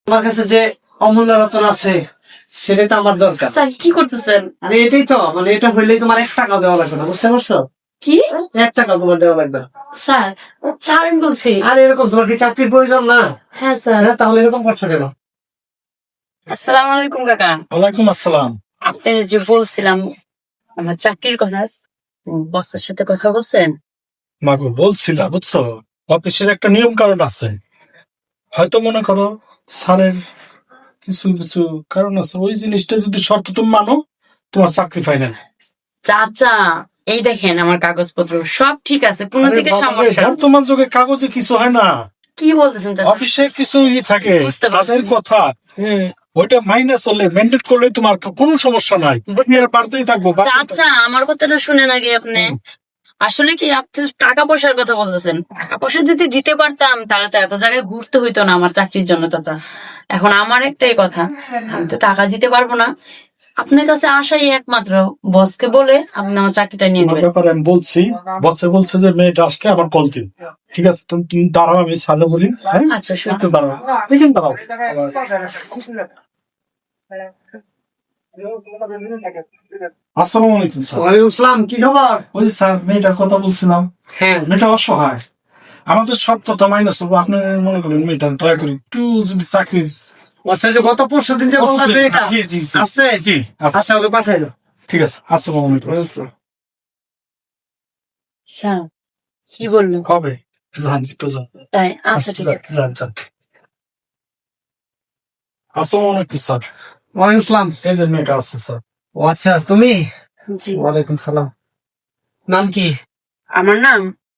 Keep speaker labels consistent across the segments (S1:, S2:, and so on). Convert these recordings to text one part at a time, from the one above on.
S1: তোমার কাছে যে অমূল্য রতন আছে সেটাই তো আমার দরকার।
S2: স্যার কি করতেছেন?
S1: আরে এটাই তো, মানে এটা হইলেই তোমার 1 টাকাও দেওয়া লাগবে না, বুঝতে পারছো?
S2: কি
S1: 1 টাকা তোমার দেওয়া লাগবে না।
S2: স্যার? ছাড়েন বলছি।
S1: আর এরকম তোমার কি চাকরির প্রয়োজন না?
S2: হ্যাঁ স্যার।
S1: হ্যাঁ, তাহলে এরকম করছো কেন?
S2: আসসালামু আলাইকুম কাকা।
S3: ওয়ালাইকুম আসসালাম।
S2: আপনার যে বলছিলাম আমার চাকরির কথা, বসের সাথে কথা বলছেন?
S3: মাগো বলছিলাম, বুঝছো, অফিসের একটা নিয়ম কারণ আছে। হয়তো মনে করো স্যারের কিছু কিছু কারণ আছে, ওই জিনিসটা যদি শর্ত তুমি মানো, তোমার চাকরি ফাইনাল।
S2: চাচা এই দেখেন আমার কাগজপত্র সব ঠিক আছে, কোনো দিকে সমস্যা নেই।
S3: বর্তমান যুগে কাগজে কিছু হয় না,
S2: কি বলতেছেন চাচা?
S3: অফিসে কিছু থাকে,
S2: বুঝতে পারছি।
S3: তাদের কথা ওইটা মাইনে চললে, মেনটেন করলে তোমার কোনো সমস্যা নাই, তুমি আর বাড়তেই থাকবো।
S2: চাচা আমার কথাটা শুনেন আগে আপনি। আসলে কি আপনি টাকা পয়সার কথা বলতেছেন, টাকা পয়সা যদি দিতে পারতাম তাহলে তো এত জায়গায় ঘুরতে হইতো না আমার চাকরির জন্য চাচা। এখন আমার একটাই কথা, আমি তো টাকা দিতে পারবো না, আপনার কাছে আসাই একমাত্র বসকে বলে আপনি আমার চাকরিটা নিয়ে
S3: আমার
S2: নেবেন।
S3: ব্যাপারে আমি বলছি, বলছে যে মেয়েটা আসলে আমার কল দিন। ঠিক আছে, তুমি দাঁড়াও, আমি সালে বলি। হ্যাঁ
S2: আচ্ছা শুনুন।
S3: একটু দাঁড়াও, এখানে দাঁড়াও। আসসালামু আলাইকুম স্যার।
S1: ওয়ালাইকুম আসসালাম, কি খবর?
S3: ওই যে স্যার মেয়েটার কথা বলছিলাম,
S1: হ্যাঁ,
S3: মেয়েটা অসহায়, আমাদের সব কথা মাইনাস করবো। আপনি মনে করেন মেয়েটা দয়া করে একটু যদি চাকরির।
S1: আচ্ছা, যে গত পরশুদিন যে বললাম এটা
S3: জি জি জি
S1: আছে।
S3: জি,
S1: আচ্ছা, ওকে পাঠাই দাও।
S3: ঠিক আছে। আসসালামু আলাইকুম।
S2: স্যার কি বললো?
S3: হবে, যান তো যান।
S2: তাই আচ্ছা ঠিক আছে।
S3: যান যান। আসসালামু আলাইকুম স্যার।
S1: ওয়ালাইকুম আসসালাম।
S3: এই যে মেয়েটা আসছে স্যার।
S1: ও আচ্ছা, তুমি?
S2: জি
S1: ওয়ালাইকুম সালাম। নাম কি?
S2: আমার নাম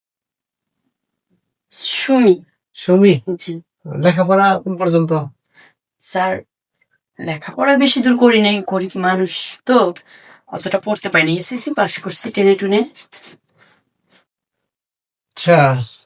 S2: সুমি।
S1: সুমি।
S2: জি
S1: লেখাপড়া কোন পর্যন্ত?
S2: স্যার লেখাপড়া বেশি দূর করি নাই, গরিব মানুষ তো অতটা পড়তে পারিনি, এসএসসি পাস করছি টেনে টুনে।
S1: আচ্ছা,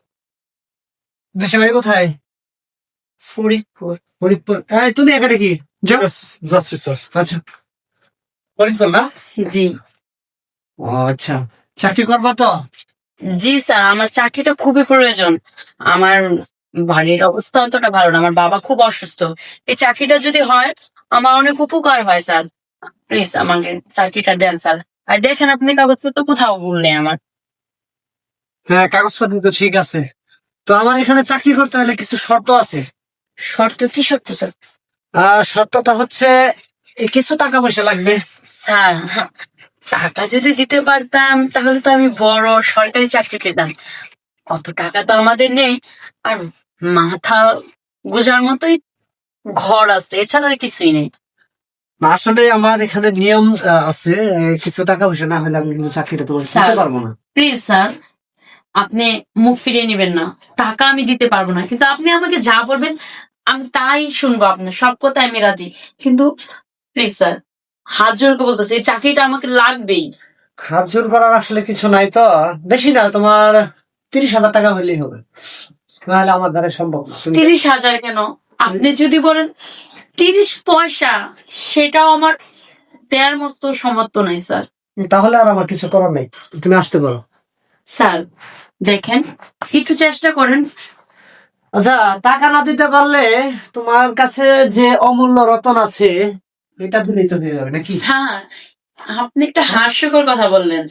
S1: দেশের বাড়ি কোথায়?
S2: ফরিদপুর।
S1: ফরিদপুর। এই তুমি এখানে কি?
S3: ঠিক আছে, যাচ্ছি স্যার।
S1: আচ্ছা, ফরিদপুর না?
S2: জি
S1: ও আচ্ছা, চাকরি করবা তো?
S2: জি স্যার, আমার চাকরিটা খুবই প্রয়োজন। আমার বাড়ির অবস্থা অতটা ভালো না, আমার বাবা খুব অসুস্থ। এই চাকরিটা যদি হয় আমার অনেক উপকার হয় স্যার। প্লিজ আমাকে চাকরিটা দেন স্যার। আর দেখেন আপনি কাগজপত্র কোথাও বললেন আমার।
S1: হ্যাঁ, কাগজপত্র তো ঠিক আছে। তো আমার এখানে চাকরি করতে হলে কিছু শর্ত আছে।
S2: শর্ত কি শর্ত স্যার?
S1: শর্তটা হচ্ছে কিছু টাকা পয়সা লাগবে।
S2: স্যার টাকা যদি দিতে পারতাম তাহলে তো আমি বড় সরকারি চাকরি পেতাম। কত টাকা তো আমাদের নেই, আর মাথা গুজার মতোই ঘর আছে, এছাড়া আর কিছুই নেই।
S1: আসলে আমার এখানে নিয়ম আছে, কিছু টাকা পয়সা না হলে আমি কিন্তু চাকরিটা তোমার দিতে
S2: স্যার
S1: পারবো না।
S2: প্লিজ স্যার, আপনি মুখ ফিরিয়ে নেবেন না। টাকা আমি দিতে পারবো না, কিন্তু আপনি আমাকে যা বলবেন আমি তাই শুনবো, আপনার সব কথায় আমি রাজি। কিন্তু প্লিজ স্যার, হাত জোর করে বলতেছি এই চাকরিটা আমাকে লাগবেই।
S1: হাত জোর করার আসলে কিছু নাই তো, বেশি না, তোমার 30,000 টাকা হলেই হবে, নাহলে আমার দ্বারা সম্ভব না।
S2: 30,000 কেন? আপনি যদি বলেন 30 পয়সা, সেটাও আমার দেওয়ার মতো সমর্থ নাই স্যার।
S1: তাহলে আর আমার কিছু করার নেই, তুমি আসতে পারো।
S2: স্যার দেখেন, একটু চেষ্টা করেন।
S1: আচ্ছা, টাকা না দিতে পারলে তোমার কাছে যে অমূল্য রতন আছে এটা দিলেই তো হয়ে যাবে নাকি?
S2: স্যার আপনি একটা হাস্যকর কথা বললেন,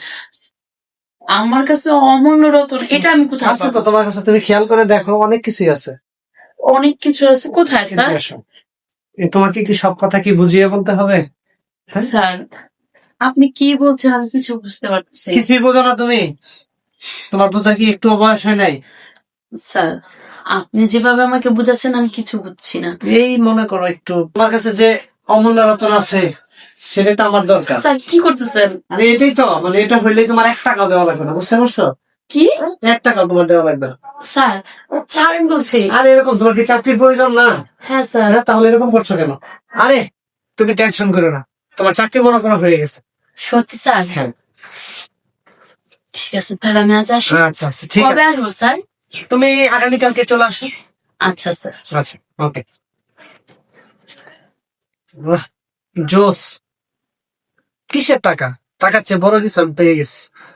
S2: আমার কাছে অমূল্য রতন এটা আমি কোথায়
S1: আছে তো
S2: পাবো?
S1: তোমার কাছে, তুমি খেয়াল করে দেখো, অনেক কিছুই আছে।
S2: অনেক কিছু আছে কোথায় স্যার?
S1: কিন্তু এসো, তোমাকে কি সব কথা কি বুঝিয়ে বলতে হবে? হ্যাঁ?
S2: স্যার আপনি কি বলছেন আমি কিছু বুঝতে পারছি না।
S1: কিছুই বোঝো না তুমি? তোমার বোঝা কি একটু বয়স হয় নাই?
S2: স্যার আপনি যেভাবে আমাকে বুঝাচ্ছেন আমি কিছু বুঝছি না।
S1: এই মনে করো, একটু তোমার কাছে যে অমূল্য রতন আছে সেটাই তো আমার দরকার।
S2: স্যার কি করতেছেন?
S1: আরে এটাই তো, মানে এটা হইলেই তোমার 1 টাকাও দেওয়া লাগবে না, বুঝতে পারছো?
S2: কি
S1: 1 টাকাও তোমার দেওয়া লাগবে না।
S2: স্যার? ছাড়েন বলছি।
S1: আরে এরকম তোমার কি চাকরির প্রয়োজন না?
S2: হ্যাঁ স্যার।
S1: হ্যাঁ, তাহলে এরকম করছো কেন? আরে তুমি টেনশন করো না, তোমার চাকরি মনে করো হয়ে গেছে।
S2: সত্যি স্যার?
S1: হ্যাঁ।
S2: ঠিক আছে তাহলে আমি আজ আসি।
S1: আচ্ছা আচ্ছা, ঠিক
S2: কবে
S1: আছে,
S2: আসবো স্যার?
S1: তুমি আগামীকালকে চলে আসো।
S2: আচ্ছা স্যার।
S1: আচ্ছা, ওকে। জোস, কিসের টাকা? টাকার চেয়ে বড় কিছু আমি পেয়ে গেছি।